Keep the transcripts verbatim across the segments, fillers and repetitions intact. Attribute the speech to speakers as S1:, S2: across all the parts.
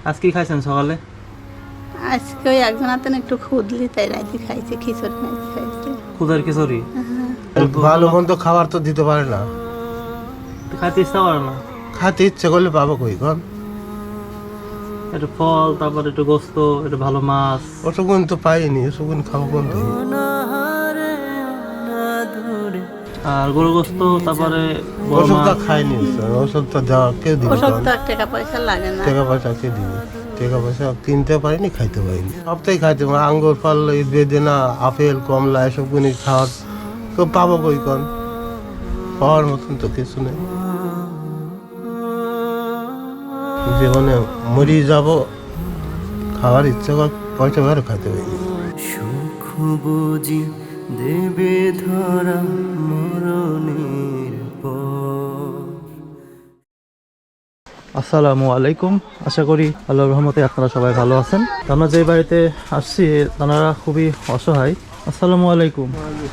S1: আজকে কি খাইছেন সকালে?
S2: আজকে ওই একজন হাতেন একটু খুদলি তাই রাইতে খাইছে, খিচুড়ি রাইতে খাইছে।
S1: খুদের খিচুড়ি?
S3: ভালো মন্দ খাবার তো দিতে পারে না,
S1: খাইতে ইচ্ছা করে না?
S3: খাইতে ইচ্ছে করলে পাবো কই কন?
S1: একটু ফল, তারপর একটু গোস্ত, একটু ভালো মাছ।
S3: ওসবগুন তো পাইনি, ওসবগুন খাবো কোন থেকে?
S1: আর গরু গোস্ত, তারপরে বড়
S3: ওসবটা
S1: মাছ।
S3: খাইনি, ওসবটা দেওয়া কেউ দিবে?
S2: ওসব তো আর টাকা পয়সা লাগে না।
S3: টাকা পয়সা কে দিবে? টাকা পয়সা কিনতে পারিনি, খাইতে পারিনি। সবটাই খাইতে পারি, আঙ্গুর ফল, বেদেনা, আপেল, কমলা, এসব গুনি খাওয়ার কেউ পাবো কই কন? পাওয়ার মতন তো কিছু নেই। জীবনে মরি যাব, খাওয়ার ইচ্ছা কর, পয়সা বেরো খাইতে পারিনি।
S4: সুখ বুঝি দেবে ধরা মরণের পর।
S1: আসসালামু আলাইকুম। আশা করি আল্লাহর রহমতে আপনারা সবাই ভালো আছেন। আমরা যে বাড়িতে আসছি তারা খুবই অসহায়। আসসালামু আলাইকুম।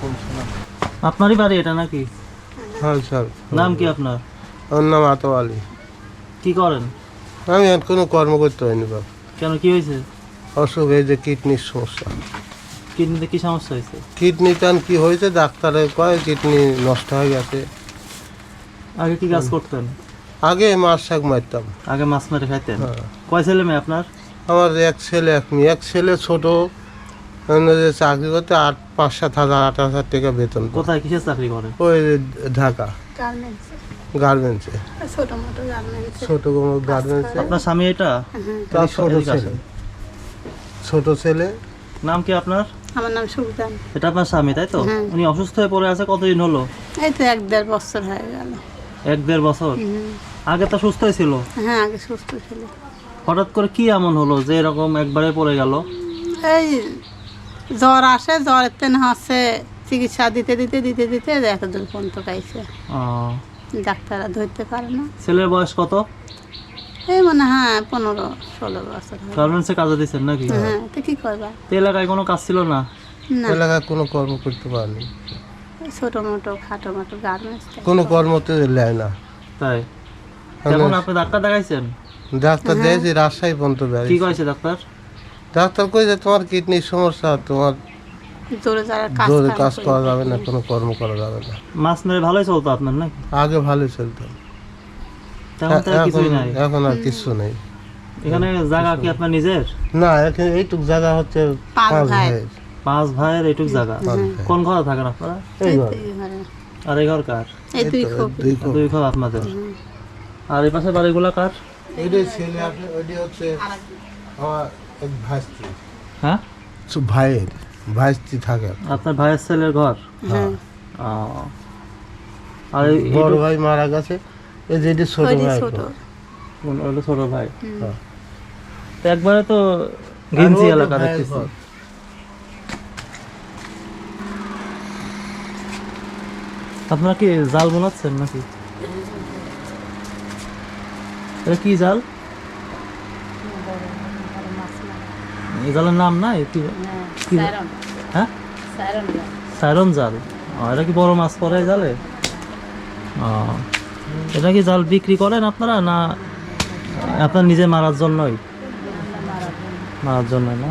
S1: আপনারই বাড়ি এটা নাকি?
S3: হ্যাঁ স্যার।
S1: নাম কি আপনার?
S3: আমার নাম আতো আলী।
S1: কি করেন?
S3: আমি আর কোনো কর্ম করতে পারিনি বাবা।
S1: কেন, কি হয়েছে?
S3: অসুখ, এই যে কিডনির সমস্যা।
S1: কিডনিতে কি সমস্যা হয়েছে?
S3: কিডনি টান কি হয়েছে, ডাক্তারে কয় কিডনি নষ্ট হয়ে গেছে।
S1: আগে কি কাজ করতেন?
S3: আগে মাছ শাক মারতাম।
S1: আগে মাছ মেরে খাইতেন?
S3: হ্যাঁ।
S1: কয় ছেলে মেয়ে আপনার?
S3: আমার এক ছেলে এক মেয়ে। এক ছেলে ছোট, মানে যে চাকরি করতে আট পাঁচ সাত হাজার আট হাজার টাকা বেতন পায়।
S1: কোথায়, কিসের চাকরি করে?
S3: ওই ঢাকা
S2: গার্মেন্টসে,
S3: গার্মেন্টসে,
S2: ছোট মোটো গার্মেন্টসে।
S3: ছোট কোনো গার্মেন্টসে।
S1: আপনার স্বামী এটা?
S3: তার ছোট
S1: এদিকে
S3: ছেলে,
S1: আসেন।
S3: ছোট ছেলে।
S1: নাম কি আপনার?
S2: আমার নাম সুলতান।
S1: এটা আপনার স্বামী তাই তো?
S2: হ্যাঁ।
S1: উনি অসুস্থ হয়ে পড়ে আছে কতদিন হলো?
S2: এই তো এক দেড় বছর হয়ে গেল।
S1: এক দেড় বছর?
S2: হুম।
S1: আগে তো সুস্থই ছিল।
S2: হ্যাঁ, আগে সুস্থ ছিল।
S1: হঠাৎ করে কি এমন হলো যে এরকম একবারে পড়ে গেল?
S2: এই জ্বর আসে, জ্বরের তেন হচ্ছে চিকিৎসা দিতে দিতে দিতে দিতে এত দূর পর্যন্ত গাইছে।
S1: ও,
S2: ডাক্তাররা ধরতে পারে না।
S1: ছেলের বয়স কত?
S2: এই মনে হয় পনেরো ষোলো বছর হবে।
S1: গার্মেন্টসে কাজে দিচ্ছেন নাকি?
S2: হ্যাঁ, তো কি করবা?
S1: তো এলাকায় কোনো কাজ ছিল না?
S2: না,
S3: এলাকায় কোনো কর্ম করতে পারেনি,
S2: ওই ছোট মোটো খাটো মোটো গার্মেন্টস।
S3: কোনো কর্মতে নেয় না।
S1: তাই? এখন আপনি ডাক্তার দেখাইছেন?
S3: ডাক্তার দিয়েছি রাজশাহী পর্যন্ত
S1: কি
S3: বেড়াইছি।
S1: কয়েছে ডাক্তার?
S3: ডাক্তার কই যে তোমার কিডনির সমস্যা, তোমার
S2: জোরে যারা কাজ
S3: জোরে
S2: কাম
S3: কাজ
S2: করে।
S3: করা যাবে না, কোনো কর্ম করা যাবে না।
S1: মাছ মেরে ভালোই চলতো আপনার নাকি?
S3: আগে ভালো চলতো,
S1: তেমন তো আর
S3: এখন
S1: কিছুই নাই।
S3: এখন আর কিছু নেই।
S1: এখানে জায়গা কি আপনার নিজের?
S3: না, এখানে এইটুক জায়গা হচ্ছে
S2: পাঁচ
S3: পাঁচ
S2: ভাই।
S3: ভাইয়ের।
S1: পাঁচ ভাইয়ের এইটুক জায়গা?
S3: পাঁচ ভাই।
S1: কোন ঘরে থাকেন আপনারা?
S3: এই
S2: এই
S3: ঘর,
S2: দুই ঘরে।
S1: আর এই ঘর কার?
S2: এই দুই
S3: এই তো,
S2: খুব।
S3: দুই ঘর।
S1: দুই ঘর আপনাদের। আর এই পাশে বাড়িগুলা কার?
S3: এইটাই ছেলে আছে, ওইটি হচ্ছে আমার এক ভাইস্ত্রী।
S1: হ্যাঁ,
S3: সব ভাইয়ের ভাইস্ত্রী থাকে।
S1: আপনার ভাইয়ের ছেলের ঘর?
S2: হ্যাঁ,
S1: ও। আর এই-
S3: বড়
S1: এইটুক-
S3: ভাই মারা গেছে, এই যে এটি ছোট
S2: ওই যে
S3: ভাই।
S2: ছোট।
S1: কোন- ওটা ছোট ভাই।
S3: হ্যাঁ।
S1: তো একবারে তো ঘিঞ্জি
S3: আর ওই যে
S1: এলাকা
S3: ভাইয়ের
S1: দেখতেছি।
S3: ঘর।
S1: আপনারা কি জাল বোনাচ্ছেন নাকি? এটা কি জাল? এই জালের নাম নাই? কি কি জাল? হ্যাঁ, সাইরন জাল। ও, এটা কি বড় মাছ পড়ে এই জালে? ও, এটা কি জাল বিক্রি করেন আপনারা না আপনার নিজে মারার জন্যই? মারার জন্য না?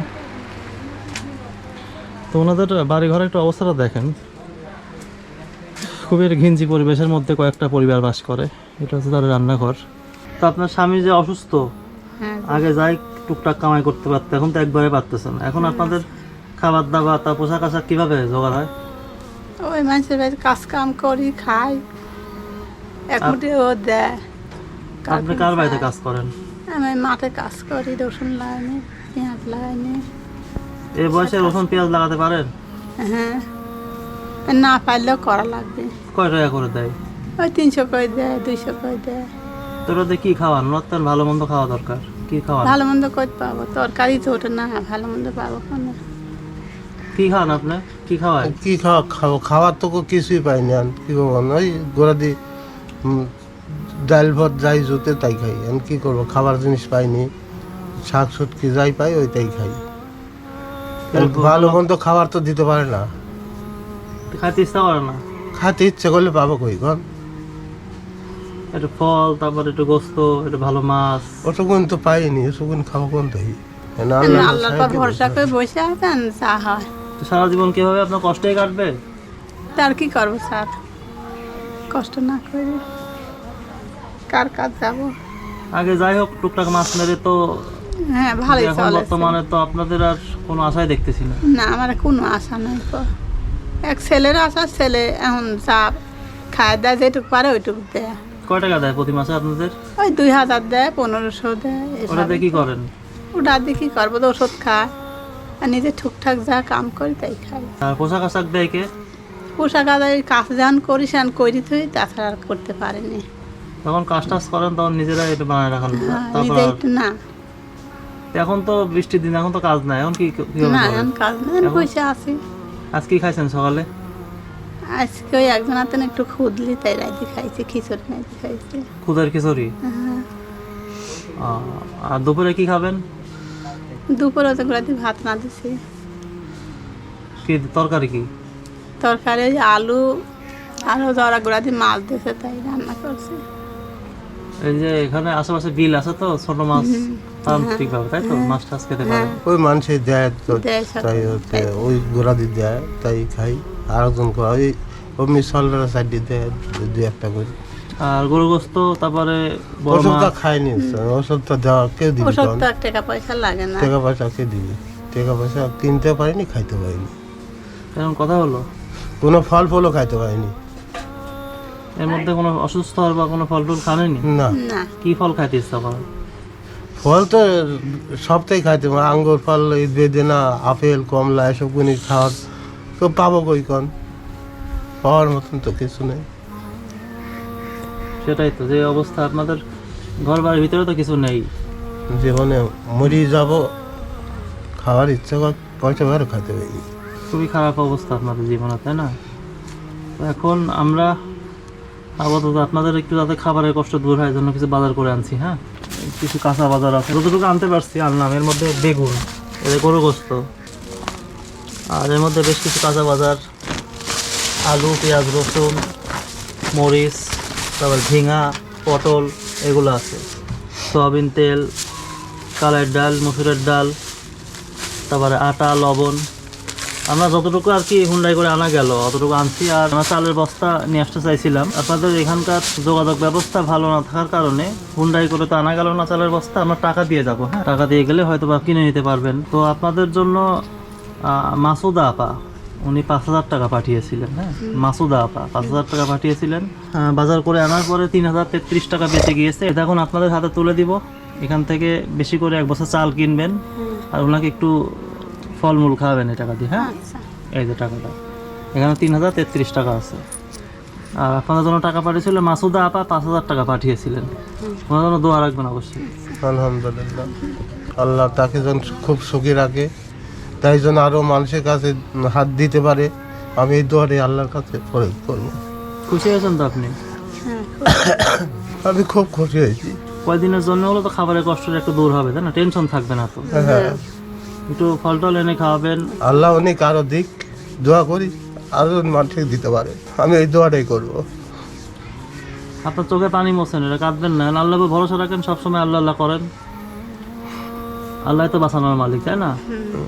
S1: তো ওনাদের বাড়ি ঘরে একটু অবস্থাটা দেখেন। খুবই ঘিঞ্জি পরিবেশের মধ্যে কয়েকটা পরিবার বাস করে। এটা হচ্ছে তাদের রান্নাঘর। তো আপনার স্বামী যে অসুস্থ,
S2: হ্যাঁ,
S1: আগে যাই টুকটাক কামাই করতে পারতো, এখন তো একবারে পারতেছেন। এখন আপনাদের খাবার দাবার তা পোশাক আশাক কিভাবে জোগাড় হয়?
S2: ওই মানুষের বাড়িতে কাজ কাম করি, খাই, এক মুঠি ও দেয়।
S1: আপনি কার বাড়িতে কাজ করেন?
S2: আমি মাঠে কাজ করি, রসুন লাগাইনি, পেঁয়াজ লাগাইনি।
S1: এই বয়সে রসুন পেঁয়াজ লাগাতে পারেন?
S2: হ্যাঁ, না পারলেও করা লাগবে।
S1: কয় টাকা করে দেয়?
S2: ওই তিনশো করে দেয়, দুইশো করে দেয়।
S1: তো ওটাতে কি খাওয়ান? নতুন ভালো মন্দ খাওয়া দরকার। কি খাওয়ান?
S2: ভালো মন্দ করতে পাবো, তরকারি তো ওঠে না, ভালো মন্দ পাবো কেন?
S1: কি খাওয়ান আপনি? কি খাওয়ায়?
S3: কি খাওয়া খাবো? খাওয়ার তো কো- কিছুই পাইনি। আর কি করবো, ওই গোড়া দি ডাল ভাত যাই জুতে তাই খাই। আমি কি করবো, খাবার জিনিস পাইনি। শাক সবজি যাই পাই ওইটাই খাই। আর ভালো মন্দ খাবার তো দিতে পারে না,
S1: খাইতে ইচ্ছা করে না?
S3: খাতে ইচ্ছে করলে পাবো কই কন?
S1: একটু ফল, তারপর একটু গোস্ত, একটু ভালো মাছ।
S3: অতক্ষণ তো পাইনি, অতক্ষণ খাবো কোন থেকে?
S2: আল্লাহর পর ভরসা করে বসে আছেন, যা হয়।
S1: তো সারা জীবন কিভাবে আপনার কষ্টেই কাটবে?
S2: তার কি করবো স্যার, কষ্ট না করে কার কাজ যাবো?
S1: আগে যাই হোক টুকটাক মাছ মেরে তো,
S2: হ্যাঁ ভালোই
S1: এখন
S2: চলে।
S1: বর্তমানে তো আপনাদের আর কোনো আশাই দেখতেছি না।
S2: না, আমার কোনো আশা নাই তো। এক ছেলের আশা, ছেলে এখন যা খায় দেয়, যেটুকু পারে ওইটুকু দেয়।
S1: কয় টাকা দেয় প্রতি মাসে আপনাদের?
S2: ওই দুই হাজার দেয়, পনেরোশো দেয়।
S1: ওটা দিয়ে কি করেন?
S2: ওটা দিয়ে কি করবো, তো ওষুধ খায় আর নিজে ঠিকঠাক যা কাম করি তাই খাই।
S1: আর পোশাক আশাক দেয় কে?
S2: পোশাক আদায় কাজ যান করি, সেন করি তুই, তাছাড়া আর করতে পারিনি।
S1: যখন কাজ টাজ করেন তখন নিজেরাই একটু বানায় রাখান।
S2: হ্যাঁ,
S1: তারপর
S2: নিজে
S1: আর-
S2: একটু না
S1: এখন তো বৃষ্টির দিন, এখন তো কাজ নাই, এখন কি কিভাবে
S2: না,
S1: করেন?
S2: এখন কাজ নেই,
S1: এখন-
S2: বসে আছি।
S1: আজ কি খাইছেন সকালে?
S2: আজকে ওই একজন হাতে একটু খুদলি, তাই রাজি খাইছি, খিচুড়ি নাইতে খাইছি।
S1: খুদের খিচুড়ি।
S2: হ্যাঁ।
S1: আহ, আর দুপুরে কি খাবেন?
S2: দুপুরে তো রাতে ভাত না দিছি,
S1: কি তরকারি কি?
S2: তরকারি ওই আলু আর জরা গুঁড়া দিয়ে মাছ দিয়েছে, তাই রান্না করছি।
S1: এই যে এখানে আশেপাশে বিল আছে তো, ছোট মাছ তান্ত্রিক ভাবে, তাই তো মাছ টাছ খেতে পারেন।
S3: ওই মানুষে দেয় তো,
S2: দেয় সব,
S3: তাই হচ্ছে ওই গোড়া দিয়ে দেয়, তাই খাই। আর একজন করে ওই অমনি সলরা সাইড দিয়ে দেয় দু একটা করে।
S1: আর গরু গোস্ত, তারপরে বড়
S3: ওষুধটা
S1: মাছ।
S3: খাইনি, ওষুধটা দেওয়া কেউ দিবি?
S2: ওসব
S3: তখন
S2: তো এক টাকা পয়সা লাগে না।
S3: টাকা পয়সা কে দিবি? টাকা পয়সা কিনতে পারিনি, খাইতে পারিনি,
S1: এরকম কথা হলো।
S3: কোনো ফল ফলও খাইতে পারিনি।
S1: এর মধ্যে কোনো অসুস্থ হওয়ার বা কোনো ফল টল খানেনি?
S3: না,
S2: না,
S1: কি ফল খাইতে ইচ্ছা করে?
S3: ফল তো সবটাই খাইতে পারে, আঙ্গুর ফল, এই বেদেনা, আপেল, কমলা, এসব গুলি খাওয়ার তো পাবো কই কন? পাওয়ার মতন তো কিছু নেই।
S1: সেটাই তো, যে অবস্থা আপনাদের ঘর বাড়ির ভিতরে তো কিছু নেই।
S3: জীবনে মরি যাব, খাওয়ার ইচ্ছা কর, পয়সা বেরো খাইতে পারিনি।
S1: খুবই খারাপ অবস্থা আপনাদের জীবনে, তাই না? তো এখন আমরা আপাতত আপনাদের একটু যাতে খাবারের কষ্ট দূর হয় জন্য কিছু বাজার করে আনছি। হ্যাঁ, কিছু কাঁচা বাজার আছে, যতটুকু আনতে পারছি আনলাম। এর মধ্যে বেগুন, এর গরু গোস্ত, আর এর মধ্যে বেশ কিছু কাঁচা বাজার, আলু, পেঁয়াজ, রসুন, মরিচ, তারপর ঝিঙা, পটল, এগুলো আছে। সয়াবিন তেল, কালের ডাল, মসুরের ডাল, তারপরে আটা, লবণ। আমরা যতটুকু আর কি হুন্ডাই করে আনা গেল অতটুকু আনছি। আর আমরা চালের বস্তা নিয়ে আসতে চাইছিলাম, আপনাদের এখানকার যোগাযোগ ব্যবস্থা ভালো না থাকার কারণে হুন্ডাই করে তো আনা গেল না চালের বস্তা। আমরা টাকা দিয়ে যাবো, হ্যাঁ, টাকা দিয়ে গেলে হয়তো বা কিনে নিতে পারবেন। তো আপনাদের জন্য আহ, মাসুদা আপা, উনি পাঁচ হাজার টাকা পাঠিয়েছিলেন। হ্যাঁ, মাসুদা আপা পাঁচ হাজার টাকা পাঠিয়েছিলেন। আহ, বাজার করে আনার পরে তিন হাজার তেত্রিশ টাকা বেঁচে গিয়েছে। এটা এখন আপনাদের হাতে তুলে দিব। এখান থেকে বেশি করে এক বছর চাল কিনবেন, আর ওনাকে একটু ফলমূল খাওয়াবেন এই টাকা দিয়ে। হ্যাঁ,
S2: আচ্ছা,
S1: এই যে টাকাটা, এখানে তিন হাজার তেত্রিশ টাকা আছে। আর আপনাদের জন্য টাকা পাঠিয়েছিল মাসুদা আপা, পাঁচ হাজার টাকা পাঠিয়েছিলেন। ওনার জন্য দোয়া রাখবেন অবশ্যই।
S3: আলহামদুলিল্লাহ, আল্লাহ তাকে যেন খুব সুখী রাখে, তাই জন্য আরও মানুষের কাছে হাত দিতে পারে। আমি এই দোয়ারে আল্লাহর কাছে প্রয়োগ করবো।
S1: খুশি হয়েছেন তো আপনি?
S2: হ্যাঁ,
S3: আমি খুব খুশি হয়েছি।
S1: কয়দিনের জন্য হলো তো খাবারের কষ্টটা একটু দূর হবে, তাই না? টেনশন থাকবে না তো।
S3: হ্যাঁ,
S1: একটু ফল টল এনে খাওয়াবেন।
S3: আল্লাহ অনেক আরও দিক, দোয়া করি আরও মানুষকে দিতে পারে। আমি এই দোয়াটাই করবো।
S1: আপনার চোখে পানি মোছেন, এটা কাঁদবেন না। আল্লাহ ভরসা রাখেন, সবসময় আল্লাহ আল্লাহ করেন। আল্লাহ তো বাঁচানোর মালিক, তাই না?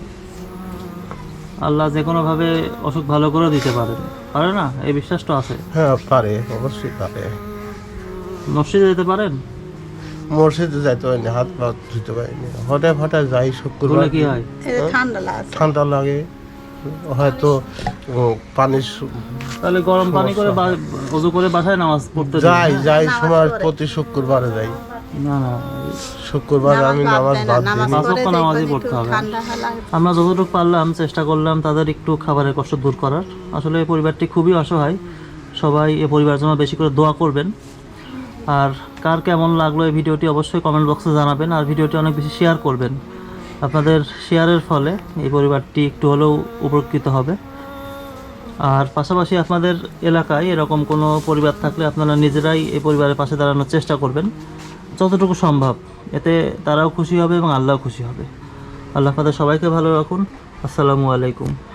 S1: আল্লাহ যে কোনো ভাবে অসুখ ভালো করে দিতে পারেন, পারে না? এই বিশ্বাসটা আছে।
S3: হ্যাঁ পারে, অবশ্যই পারে।
S1: মসজিদে যেতে পারেন?
S3: মসজিদে যাইতে পারিনি, হাত পা ধুতে পারিনি, হঠাৎ হঠাৎ যাই শুক্রবার।
S1: বলে কি হয়?
S2: এই যে ঠান্ডা লাগছে।
S3: ঠান্ডা লাগে, হয়তো উম, পানি সু-
S1: তাহলে গরম পানি করে বা- ওযু করে বাসায় নামাজ পড়তে দিন।
S3: যাই যাই সময় প্রতি শুক্রবারে যাই।
S1: না না,
S3: শুক্রবার আমি নামাজ বাদ
S2: নামাজ
S3: দিই।
S1: পাঁচ
S2: পড়ে
S1: ওয়াক্ত নামাজই
S2: দেখবেন
S1: পড়তে
S2: একটু
S1: হবে।
S2: ঠান্ডা লাগে।
S1: আমরা যতটুকু পারলাম চেষ্টা করলাম তাদের একটু খাবারের কষ্ট দূর করার। আসলে এই পরিবারটি খুবই অসহায়। সবাই এই পরিবারের জন্য বেশি করে দোয়া করবেন। আর কার কেমন লাগলো এই ভিডিওটি অবশ্যই কমেন্ট বক্সে জানাবেন, আর ভিডিওটি অনেক বেশি শেয়ার করবেন। আপনাদের শেয়ারের ফলে এই পরিবারটি একটু হলেও উপকৃত হবে। আর পাশাপাশি আপনাদের এলাকায় এরকম কোনো পরিবার থাকলে আপনারা নিজেরাই এই পরিবারের পাশে দাঁড়ানোর চেষ্টা করবেন যতটুকু সম্ভব। এতে তারাও খুশি হবে এবং আল্লাহও খুশি হবে। আল্লাহ আপনাদের সবাইকে ভালো রাখুন। আসসালামু আলাইকুম।